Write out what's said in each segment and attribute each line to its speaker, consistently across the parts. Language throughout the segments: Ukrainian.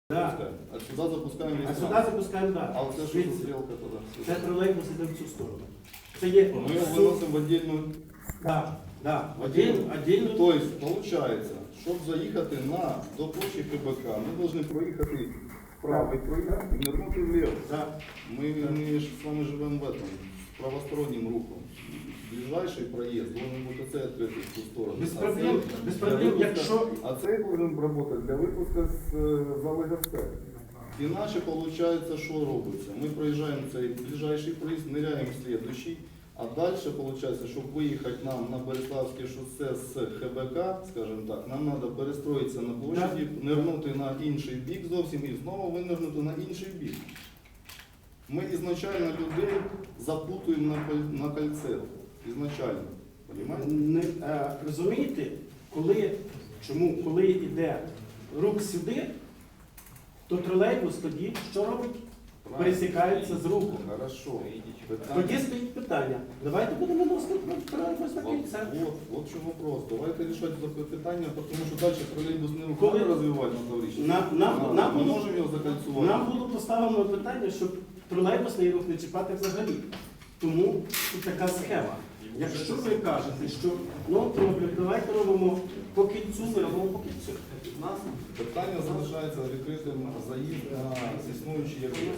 Speaker 1: Да.
Speaker 2: А сюда запускаем весь
Speaker 1: А сюди
Speaker 2: транспорт.
Speaker 1: запускаємо далі.
Speaker 2: А вот это что за стрелка туда?
Speaker 1: Це тролейбус іде в цю сторону. Це є
Speaker 2: Мы его выносим в отдельную.
Speaker 1: Да, да.
Speaker 2: Отдельно.
Speaker 1: Отдельно.
Speaker 2: То есть, получается, щоб заїхати до площі ХБК, ми повинні проїхати вправо і проїхати, і нирнути вліво.
Speaker 1: Да.
Speaker 2: Ми ж з вами живемо в этом, з правостороннім рухом. Ближайший проїзд должен бути оцей відкритий в ту сторону.
Speaker 1: Без
Speaker 2: А
Speaker 1: проблем,
Speaker 2: цей
Speaker 1: без
Speaker 2: для
Speaker 1: проблем,
Speaker 2: випуска-
Speaker 1: якщо...
Speaker 2: А цей повинен працювати для випуску з зали ГСТ. Іначе, виходить, що робиться? Ми проїжджаємо цей ближайший проїзд, ниряємо в слідуючий, а далі, виходить, щоб виїхати нам на Береславське шосе з ХБК, скажімо так, нам треба перестроїтися на площаді, нирнути на інший бік зовсім і знову винирнути на інший бік. Ми ізначально людей запутуємо на кольце. Ізначально. Понимаєте?
Speaker 1: Розумієте, коли йде рух сюди, то тролейбус тоді що робить? Пересікається з рухом.
Speaker 2: Хорошо.
Speaker 1: Тоді стоїть питання. Давайте будемо виносити тролейбус на кільце.
Speaker 2: Вот в чому вопрос. Давайте рішати це питання, тому що далі тролейбус не
Speaker 1: Коли-
Speaker 2: рухами розвивати на Таврічні.
Speaker 1: Нам
Speaker 2: Ми
Speaker 1: було-
Speaker 2: можемо його закольцювати.
Speaker 1: Нам було поставлено питання, щоб тролейбусний рух не чіпати взагалі. Тому тут така схема. Якщо ви кажете, що ну добре, давайте робимо по кільцю, ми робимо по кільцю.
Speaker 2: У нас питання залишається відкритим заїзд на існуючий об'єкт.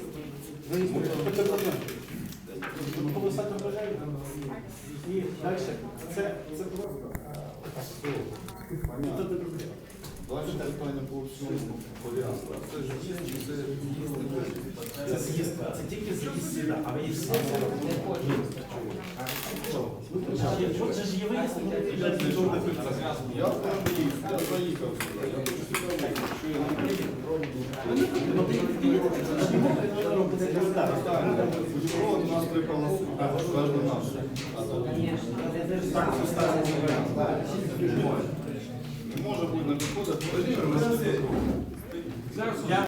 Speaker 1: Полоса вважає. І далі. Це просто.
Speaker 2: Понятно. Далі питання по всьому порядку. Це ж з'їзд чи це з'їзд?
Speaker 1: Це з'їзд. Це тільки з'їзд сюди, а виїзд сюди. От же ж є виїзд,
Speaker 2: Я автомобіліст, я заїхав сюди. Я хочу сюди виїхати. Що я не Путепровод у нас 3 полоси. Кожна наша. Не може бути на підходах.